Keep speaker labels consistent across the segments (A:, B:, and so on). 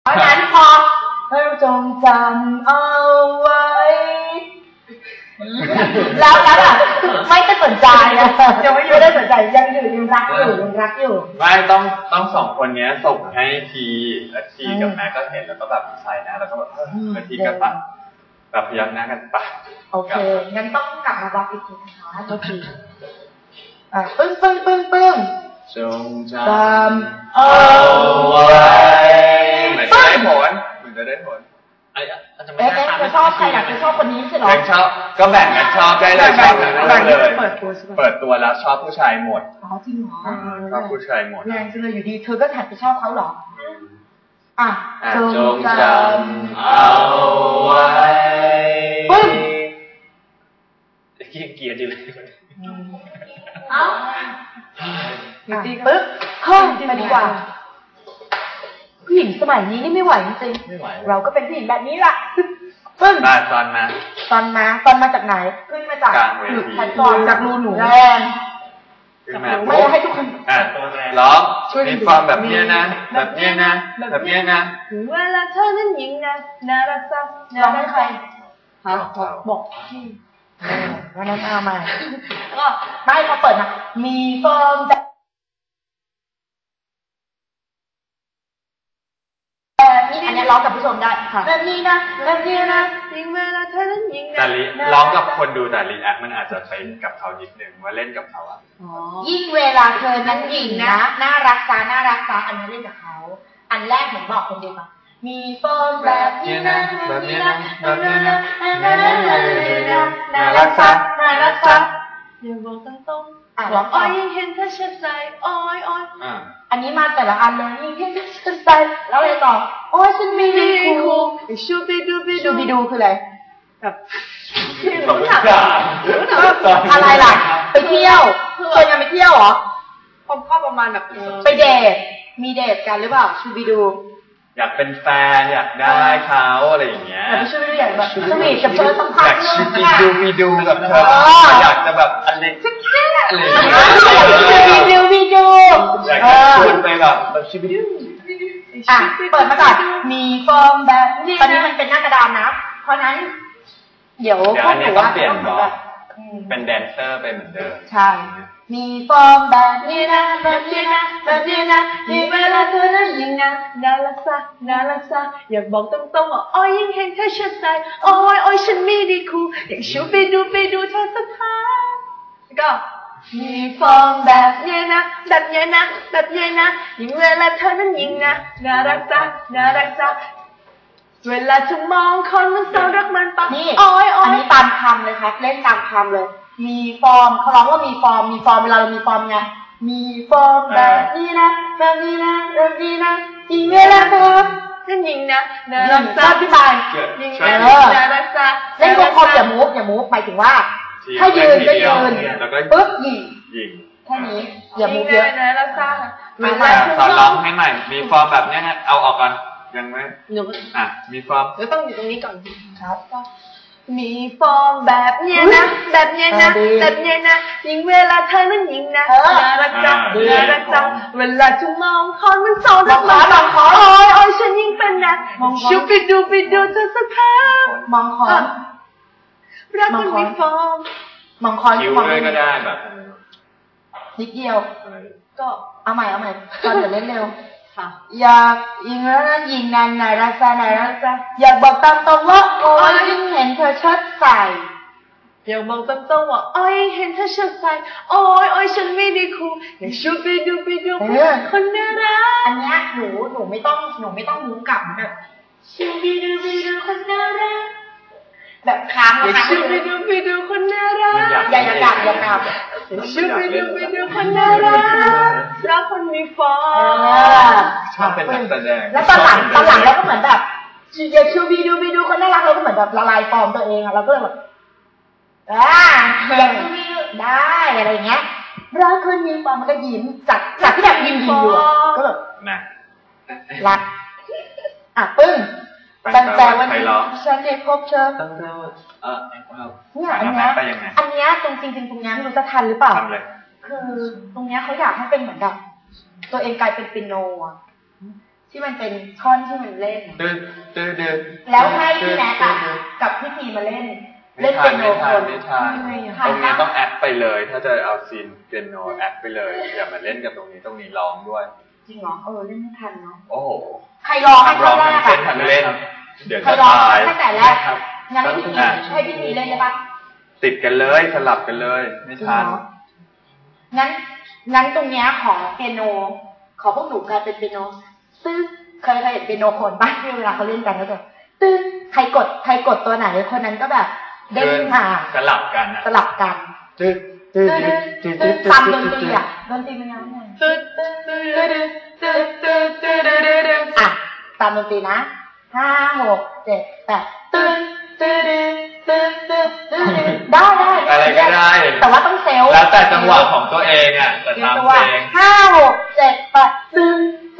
A: เพราะนั้นพอเธอจงจำเอาไว้แล้วไม่ได้สนใจนะยังไม่ได้สนใจยังรักอยู่
B: ไม่ต้องสองคนนี้ส่งให้ทีและทีกับแม่ก็เห็นแล้วก็แบบใส่นะแล้วก็แบบแล้วทีก็ปัดแบบพยักหน้ากันปัด
A: โอเคงั้นต้องกลับมาบอกอีกทีนะคะโทษทีปึ้ง
B: จงจำเอาไว้เหมือนจะได้ผล
A: จะชอบใครอยากจะชอบคนนี้ใช่หรอ
B: ชอบก็แบ่งกันชอบได้เลยชอบเลยเปิดตัวแล้วชอบผู้ชายหมด
A: จริงเหรอ
B: ชอบผู้ชายหมด
A: แรงจังเลยอยู่ดีเธอก็หันไปชอบเขาเหรอ
B: จงจำเอาไว้
A: ปึ้ง
B: เกียร์ดีเลย
A: ปึ๊บห้องไปดีกว่าผู้หญิงสมัยนี้นี่ไม่ไหวจริงๆเราก็เป็นผู้หญิงแบบนี้แหละปึ้ง
B: ตอน
A: มาจากไหนขึ้นมาจากแพลตฟอร์มจากรูหนูแรง ไม่ให้ทุกคน
B: ร้องมีความแบบนี้นะแบบนี้นะ
A: เวลาเธอนั้นยิงนะน่ารักจังร้องให้ใครบอกพี่วันนั้นเอามาก็ไม่พอเปิดมามีฟองอันนี้ร้องกับผู้ชมได้แบบนี้นะยิงเวลาเธอนั้นยิงนะ
B: แต่ร้องกับคนดูแต่รีแอคมันอาจจะไปกับเขานิดนึงว่าเล่นกับเขา
A: ยิ่งเวลาเธอนั้นยิงนะน่ารักจ้าอันนี้เล่นกับเขาอันแรกเหมือนบอกคนเดียวกันมีฟองแบบนี้นะน่ารักจ้าอย่าบอกตรงๆร้องอ้อยยิ่งเห็นเธอเช็ดใจอ้อยอันนี้มาแต่ละอันเลยยิ่งเห็นเธอเช็ดใจแล้วอะไรต่อโอ้ยฉันมีดีคูชูบิดูคืออะไรแบบอะไรล่ะไปเที่ยวเคยยังไปเที่ยวเหรอผมก็ประมาณแบบไปเดทมีเดทกันหรือเปล่าชูบิดู
B: อยากเป็นแฟนอยากได้เขาอะไรอย่างเงี้ย
A: แต่ชูบิดูอยากแบบสวีทกับเธอสัมพันธ์นึง
B: อยากชูบิดูกับเธออยากจะแบบอะไรอะไร
A: วิดู
B: อยากจะชวนไปแบบชูบิดู
A: เปิดมาก่อนมีฟอร์มแบบตอนนี้มันเป็นหน้ากระดานนะเพราะนั้นเดี๋ยวพวกหนูว่า
B: ต้องเป็นแดนเซอร์ไปเหมือนเดิม
A: ใช่มีฟอร์มแบบนี้นะมีเวลาเธอนั้นยิ่งนะน่ารักซะอยากบอกตรงๆว่าอ้อยยิ่งเห็นเธอเชื่อใจอ้อยฉันมีดีคูอยากชูไปดูเธอสักครั้งก็มีฟอร์มแบบนี้นะยิ่งเวลาเธอนั้นยิ่งนะน่ารักซะเวลาเธอมองคนมันเศร้ารักมันปะนี่อันนี้ตามคำเลยครับเล่นตามคำเลยมีฟอร์มเขาร้องว่ามีฟอร์มเวลาเรามีฟอร์มไงมีฟอร์มแบบนี้นะยิ่งเวลาเธอนั่นยิ่งนะน่ารักซะพี่บายยิ่งน่ารักซะเล่นคมอย่ามูฟหมายถึงว่าถ้ายืนก็ยืนปึ๊บยิงแค่นี้อย่ามูฟเยอะน่ารักซะ
B: สอนร้องให้ใหม่มีฟอร์มแบบนี้ฮะเอาออกก่อนยังไหมมีฟอร์ม
A: แล้วต้องอยู่ตรงนี้ก่อนครับก็มีฟอร์มแบบเนี้ยนะยิ่งเวลาเธอนั้นยิ่งนะน่ารักจังเวลาจะมองคอนมันโซนมองคอนโอ้ยฉันยิ่งเป็นนะชูไปดูเธอสักครั้งมองคอนรักมันมีฟอร์มมองคอน
B: คิ้วด้วยก็ได้แบบ
A: นิดเดียวก็เอาใหม่ตอนเดี๋ยวเล่นเร็วอยากยิงแล้วนะยิงน่ารักซะอยากบอกตามตรงว่าโอ้ยยิ่งเห็นเธอเชิดใส่อยากบอกตามตรงว่าโอ้ยเห็นเธอเชิดใส่โอ้ยฉันไม่ได้คูอยากชูไปดูคนน่ารักอันนี้หนูไม่ต้องมุ้งกลับแบบชูไปดูคนน่ารักแบบค้างนะคะชูไปดูคนน่ารักอย่ากลับชูไปดูคนน่ารักแล้วคนมีฟอร์ม
B: ชอบเป็นนักแสดง
A: แล้วตอนหลังเราก็เหมือนแบบอยากชูไปดูคนน่ารักเราก็เหมือนแบบละลายฟอร์มตัวเองเราก็เลยแบบอยากชูไปดูได้อะไรเงี้ยรักคนมีฟอร์มมันก็ยิ้มจากที่แบบยิ้มอยู่ก็แบบรักปึ้งตั้งแต่วันที่ฉันได้พบเธอเนี่ยอันเนี้ยตรงจริงตรงนี้ไม่รู้จะทันหรือเปล่าคือตรงเนี้ยเขาอยากให้เป็นเหมือนกับตัวเองกลายเป็นเปียโนที่มันเป็นท่อนที่มันเล่น
B: ดื้อดื้อดื้อ
A: แล้วให้พี่แน็กกับพี่ทีมาเล่นเปียโนคน
B: ไม่ทันตรงนี้ต้องแอดไปเลย ถ้าจะเอาซีนเปียโนแอดไปเลยอย่ามาเล่นกับตรงนี้ร้องด้วย
A: จริงเหรอเล่นไม่ทันเนาะ
B: โอ้โห
A: ใครร้องให้คนแรกอะ
B: ทันเล่นเดี๋ยวจะตาย
A: ตั้งแต่แรกงั้นให้พี่ทีเล่นได้ปะ
B: ติดกันเลยสลับกันเลยไม่ทัน
A: งั้นตรงเนี้ยของเปียโนขอพวกหนูกลายเป็นเปียโนซึ่งเคยเห็นเปียโนคนบ้างที่เวลาเขาเล่นกันแล้วแบบตึ้งใครกดตัวไหนคนนั้นก็แบบเด้งมา
B: สลับกัน
A: ตึ้งตามดนตรีอ่ะดนตรีมันยังไงอ่ะตามดนตรีนะ5 6 7 8ตึ้งได้
B: อะไรก็ได้
A: แต่ว่าต้องเซล
B: แล้วแต่จังหวะของตัวเองอ่ะแต่ตามเพลง
A: 5 6 7 8ตึ้ง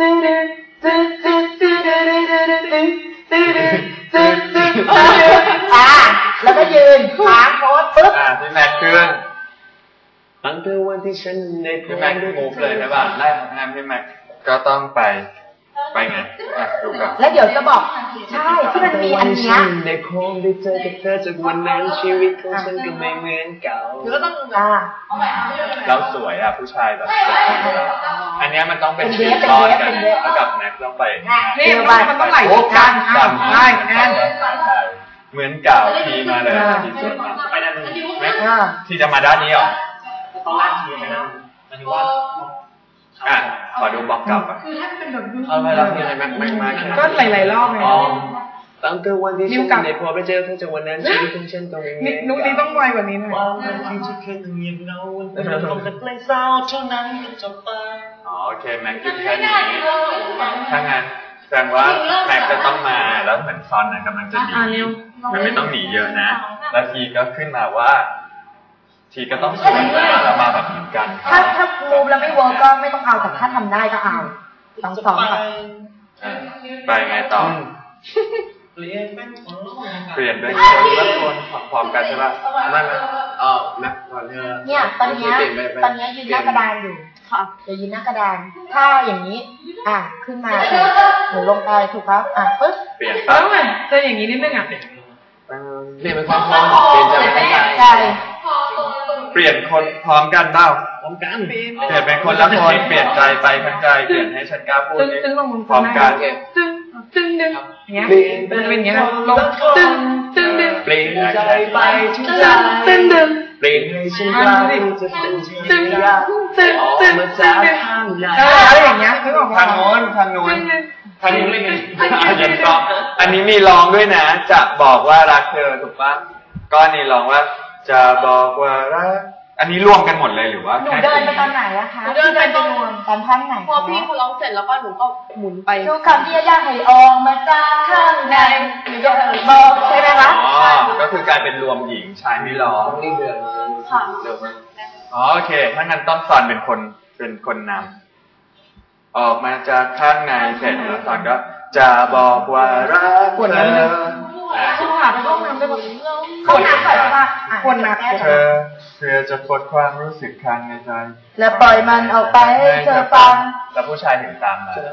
A: แล้วก็ยืนค้างโพสปึ๊บ
B: พี่แม็กขึ้นตั้งแต่วันที่ฉันได้พี่แม็กมูฟเลยใช่ป่ะได้ครับพี่แม็กก็ต้องไปไงดูกัน
A: แล้วเดี๋ยวจะบอกใช่ที่มันมีอันเนี้ย
B: ได้คงได้เจอกับเธอจากวันนั้นชีวิตของฉันก็ไม่เหมือนเก่า
A: หรือก็ต้อง
B: เราสวยอ่ะผู้ชายแบบอันนี้มันต้องเป็นชิ้นตอนกันแล้วกับแม็กต้องไป
A: นี่มันต้องไหลกันได้นั่น
B: เหมือนเก่าทีมาเลยที่สุดไปด้านนี้แม็กที่จะมาด้านนี้หรอ
C: ต้องลากทีนะมันถือว่า
B: ขอดูบล็อกกลับ
A: คือถ้าเป็นแบบ
B: เอาไปแล้วที่ไหนแม็กมา
A: ก็หลายๆรอบไง
B: ตั้งแต่วันที่ฉันได้พอไปเจอเธอจากวันนั้นชีวิตของฉันต้อง
A: มีนุ๊กนี้ต้องไวกว่านี้หน่อย
C: ที่จะเคยเงียบเงาเป็นลมแต่เพลงเศร้าเท่านั้นก็จบไป
B: โอเคแม็กหยุดแค่นี้ถ้างั้นแสดงว่าแม็กจะต้องมาแล้วเหมือนซอนกำลังจะหนีมันไม่ต้องหนีเยอะนะแล้วทีก็ขึ้นมาว่าทีก็ต้องสวนแล้วมาแบบเหมือนกัน
A: ถ้ามูฟแล้วไม่เวิร์กก็ไม่ต้องเอาแต่ถ้าทำได้ก็เอาต้องซ้อมก่อน
B: ไปไงต่อเปลี่ยนด้วยคนละคนพร้อมกันใช่ป่ะไม่แม็กก่อน
A: เนี่ยตอนนี้ยืนหน้ากระดานอยู่ค่ะจะยืนหน้ากระดานถ้าอย่างนี้ขึ้นมาหนูลงไปถูกครับปึ๊บ
B: เปลี่ยน
A: แล้วไงจะอย่างนี้นิดนึง
B: เปลี่ยนเป็นความพร้อมเปลี่ยนจาก
A: ใช่
B: เปลี่ยนคนพร้อมกันเปล่าพร้อมกันเปลี่ยนเป็นคนละคนเปลี่ยนใจไปทั้งใจเปลี่ยนให้ฉันกล้าพูดพร้อมกัน
A: ตึ้งดึงเงี้ยเป็นอย่างเงี้ยลงตึ้งดึง
B: เปลี่ยนใจไป
A: ทั้งใจตึ้งดึง
B: เปลี่ยนให้ฉันกล้าพูดจะเป็นจริงอยากออกมาจากข้างใน
A: อะไรอย่างเงี้ย
B: ทางโน้นอันนี้ไม่มียังร้องอันนี้มีร้องด้วยนะจะบอกว่ารักเธอถูกปะก็นี่ร้องว่าจะบอกว่ารักอันนี้รวมกันหมดเลยหรือว่า
A: หนูเดินไปตอนไหนอะคะ
D: เดินไปตอน
A: รวมตอนท่อนไหน
D: พอพี่เขาร้องเสร็จแล้วก็หนูก็หมุนไป
A: ทุกคำที่ยากให้ออกมาจากข้างในหนูจะบอกใช่ไหมคะ
B: ก็คือการเป็นรวมหญิงชายไม่ร้อง
D: นี่เดินค่ะ
B: โอเคถ้างั้นต้องสอนเป็นคนนำออกมาจากข้างในเสร็จแล้วสอนก็จะบอกว่ารักเธอ
A: คุณหาไปห้องน้ำได้แบบคนน้ำก่อนว่าคนน้ำ
B: เธอจะปลดความรู้สึกข้างในใจ
A: และปล่อยมันออกไปให้เธอฟัง
B: แล้วผู้ชายถึงตามมา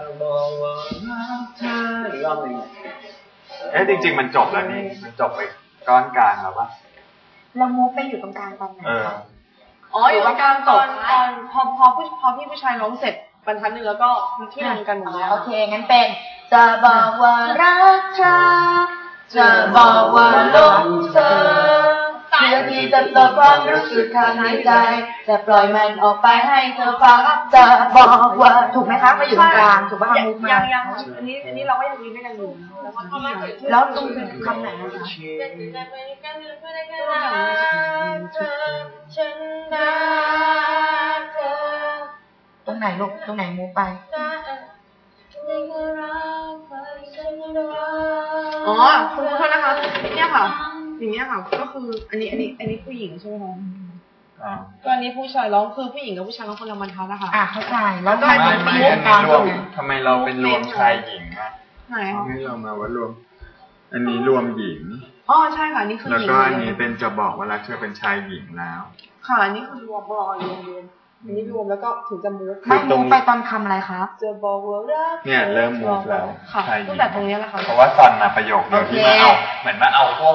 C: อีกรอบนึง
B: จริงๆมันจบแล้วนี่มันจบไปก้อนกลางแล้วปะ
A: เรามูฟไปอยู่ตรงกลางตอนไหน
D: อยู่ตรงกลางตอนพอพี่ผู้ชายร้องเสร็จบรรทัดนึงแล้วก็ที่ลงกันหมดแล้ว
A: โอเคงั้นเป็นจะบอกว่ารักเธอจะบอกว่าหลงเธอเพื่อที่จะปลดความรู้สึกข้างในใจจะปล่อยมันออกไปให้เธอฟังจะบอกว่าถูกไหมคะมาอยู่ตรงกลางถูกป่ะมุกมา
D: ยังอันนี้เราก็ยังยืนด้วยกันอยู่
A: แล้วตรงคำไหนนะคะตรงไหนลูกตรงไหนมุกไป
D: คุณโทษนะคะเนี่ยค่ะอย่างเงี้ยค่ะก็คืออันนี้ผู้หญิงใช่ไหมคะก็อันนี้ผู้ชายร้องคือผู้หญิงกับผู้ชายร้องคนละบรรทัดนะคะ
A: เข้าใจแล้วก็
B: อันนี้รวมทำไมเราเป็นรวมชายหญิง
D: ไหนคะ
B: ให้เรามาว่ารวมอันนี้รวมหญิง
D: ใช่ค่ะนี่คือ
B: แล้วก็อันนี้เป็นจะบอกว่ารักเธอเป็นชายหญิงแล้ว
D: ค่ะอันนี้คือรวมรวมอันนี้รวมแล้วก็ถึงจะมูฟ
A: ไม่มูฟไปตอนคำอะไรคะ
D: จะบอกว่ารัก
B: เนี่ยเริ่มมูฟแล้ว
D: ค่ะ
B: ใช่
D: ตั้งแต่ตรงนี้แหละค่ะ
B: เพราะว่าซอนมาประโยคเดียวที่มาเอาเหมือนมาเอาพวก